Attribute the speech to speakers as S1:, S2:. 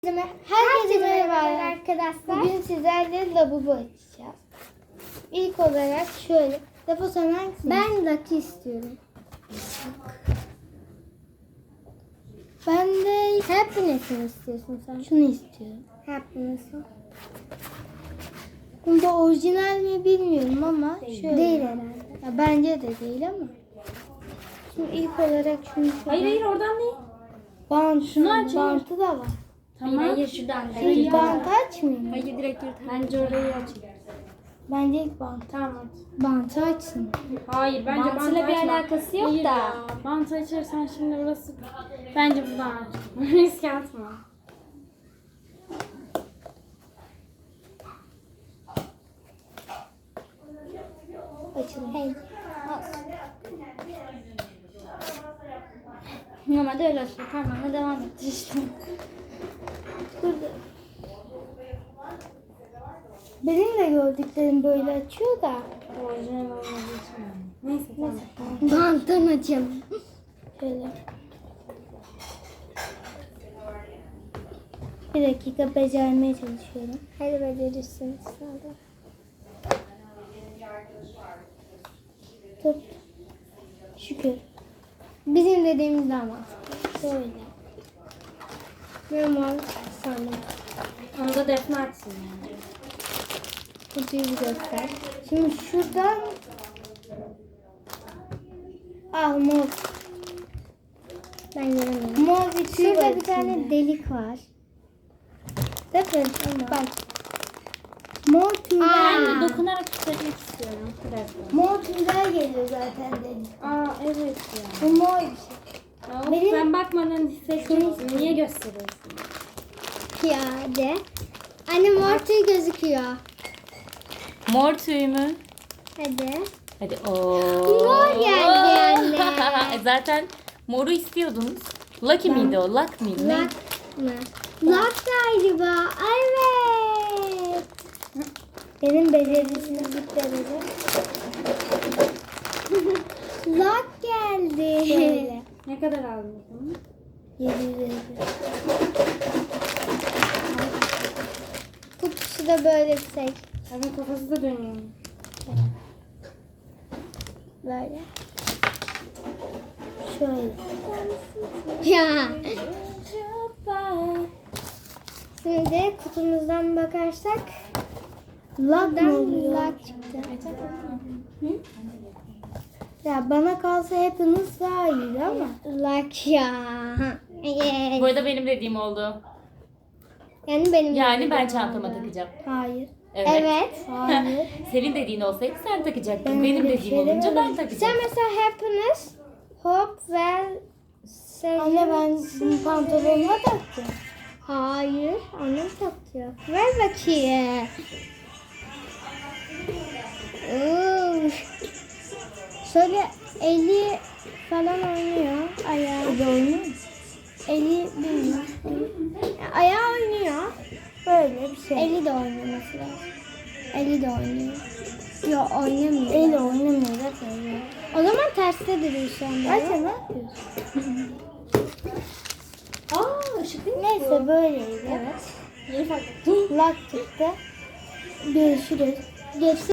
S1: Herkese merhaba arkadaşlar. Bugün sizlerle lavabo açacağız. İlk olarak şöyle. Lavabo sen hangisini? Ben Lucky istiyorum. Ben de Happiness'ini istiyorsun sen. Şunu istiyorum. Happiness'ı. Bunda orijinal mi bilmiyorum ama şöyle. Değil herhalde. Ya bence de değil ama. Şimdi ilk olarak şunu
S2: Hayır oradan değil.
S1: Bant.
S2: Şunu aç.
S1: Bantı da var.
S2: Tamam. Hayır şuradan.
S1: Şunu bantı açmayayım mı?
S2: Hayır direkt yurt. Bence orayı aç.
S1: Bence ilk bant.
S2: Tamam.
S1: Bantı açsın.
S2: Hayır bence
S3: Bantıyla bir
S2: açma.
S3: alakası yok
S2: Hayır
S3: da.
S2: Ya. Bantı açarsan şimdi burası. Bence buradan aç. Riske atma.
S1: Açalım. Hey.
S3: Normalde öyle açıyor. Parmağınla devam et işte.
S1: Burada. Benim de gördüklerim böyle açıyor da.
S2: Orijinal olmadığı için. Neyse tamam.
S1: Banttan açalım. Şöyle. Bir dakika becermeye çalışıyorum. Hadi becerirsin sana. Tut. Şükür. Bizim dediğimiz ama. Şöyle. Normal sandım.
S2: Onu da Defne açsın yani.
S1: Kutuyu bir göster. Şimdi şuradan mor. Ben göremiyorum. Mor bir tüy var. Şurada bir tane delik var. Bakın bak. Mor tüyler.
S2: Ben de dokunarak tüketmek istiyorum. Bir dakika.
S1: Mor tüyler geliyor zaten delik.
S2: Evet ya.
S1: Bu mor bir şey.
S2: Ya,
S1: Benim-
S2: Ben bakmadan hissettim. Niye gösteriyorsun?
S1: Piyade. Anne mor tüy gözüküyor.
S4: Mor tüy mü?
S1: Hadi.
S4: Hadi
S1: Mor geldi anne.
S4: Zaten moru istiyordunuz. Lucky miydi o? Luck mıydı? Ne?
S1: Lak mı? Lak galiba. Evet. Benim becerisizlik derece. Lak geldi. Şöyle.
S2: Ne kadar aldın?
S1: 750. Kutusu da böyle bir şey.
S2: Abi kafası da dönüyor.
S1: Böyle. Şöyle. Ya. Şimdi kutumuzdan bakarsak lak mı oluyor? Lak çıktı. Ya bana kalsa hepiniz daha iyiydi ama. Lak ya.
S4: Bu arada benim dediğim oldu.
S1: Yani benim
S4: Yani
S1: dediğim
S4: ben
S1: oldu.
S4: çantama takacağım.
S1: Hayır.
S4: Evet.
S1: Evet. Hayır.
S4: Senin dediğin olsaydı sen takacaktın.
S1: Ben
S4: Benim
S1: öyle bir
S4: dediğim
S1: şey
S4: olunca ben
S1: demedim.
S4: takacağım.
S1: Sen mesela happiness, hope ve anne ben bunu pantolonuma taktım. Hayır. Annem taktı. Ver bakayım. Şöyle eli falan oynuyor. Ayağı. Oynuyor mu? Eli bilmiyorum. Ayağı oynuyor. Böyle bir şey. Eli de oynuyor mesela. Eli de oynuyor. Yok oynamıyor. Eli oynamıyor zaten. O zaman terste duruyor şu anda. Zaten ne yapıyorsun?
S2: Işık değil mi?
S1: Neyse böyleydi.
S2: Evet. Yeni fark ettim.
S1: Lak çıktı. Görüşürüz. Geçti.